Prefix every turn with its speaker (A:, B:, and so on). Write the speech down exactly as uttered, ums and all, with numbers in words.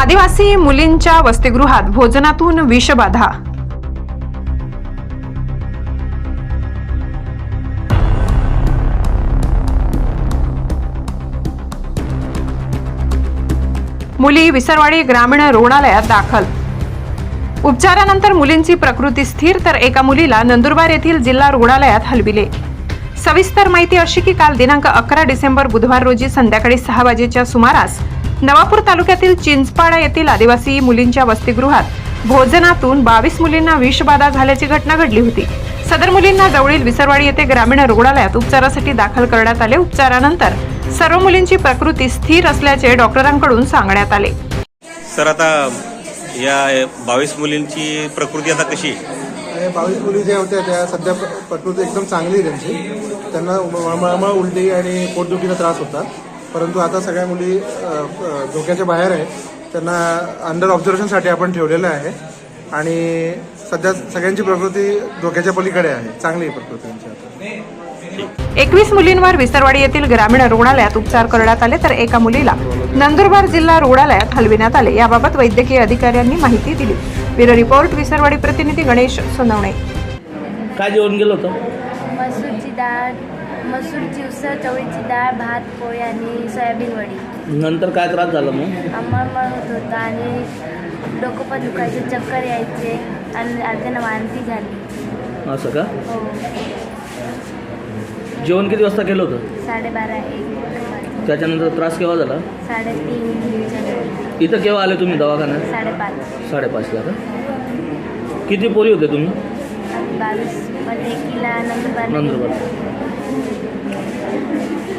A: आदिवासी मुलींच्या वसतिगृहात भोजनातून विषबाधा। मुली विसरवाडी ग्रामीण रुग्णालयात दाखल। उपचारानंतर मुलींची प्रकृती स्थिर, तर एका मुलीला नंदुरबार येथील जिल्हा रुग्णालयात हलविले। सविस्तर माहिती अशी की काल दिनांक अकरा डिसेंबर बुधवार रोजी संध्याकाळी सहा वाजेच्या सुमारास नवापूर तालुक्यातील चिंचपाडा येथील आदिवासी मुलींच्या वसतिगृहात भोजनातून बावीस मुलींना विषबाधा झाल्याची घटना घडली होती। सदर मुलींना जवळील विसरवाडी येथे ग्रामीण रुग्णालयात उपचारासाठी दाखल करण्यात आले। उपचारानंतर सर्व मुलींची प्रकृती स्थिर असल्याचे डॉक्टरांकडून सांगण्यात आले।
B: सर, आता या बावीस मुलींची प्रकृती आता कशी?
C: बावीस मुली ज्या होत्या त्या सध्या प्रकृती एकदम चांगली त्यांची। त्यांना मळमळ, उलटी आणि पोटदुखीचा त्रास होता, परंतु आता सगळ्या मुली धोक्याच्या बाहेर आहेत। त्यांना अंडर ऑब्झर्वेशनसाठी आपण ठेवलेलं आहे आणि सध्या सगळ्यांची प्रकृती धोक्याच्या पलीकडे आहे, चांगली प्रकृती त्यांची आता।
A: एकवीस मुलींवर विसरवाडी येथील ग्रामीण रुग्णालयात उपचार करण्यात आले, तर एका मुलीला नंदुरबार जिल्हा रुग्णालयात हलविण्यात आले। याबाबत वैद्यकीय अधिकाऱ्यांनी माहिती दिली। ब्युरो रिपोर्ट, विसरवाडी प्रतिनिधी गणेश सोनवणे।
D: काय जेवण गेलं होतं?
E: मसूरची डाळ, मसूरची उसळ, चवळीची डाळ, भात, पोळी आणि सोयाबीन वडी।
D: नंतर काय त्रास झाला मग?
E: आम्हाला होत होता आणि डोकं पण दुखायचे, चक्कर यायचे आणि अर्ध्यानं वांती झाली।
D: असं का?
E: हो,
D: जेवण किती वाजता केलं होतं?
E: साडेबारा एक।
D: त्याच्यानंतर त्रास केव्हा झाला?
E: साडेतीन।
D: इथं केव्हा आले तुम्ही दवाखान्यात?
E: साडेपाच।
D: साडेपाचला का? किती पोरी होते तुम्ही?
E: बावीस मध्ये किला नंदुरबार
D: नंदुरबार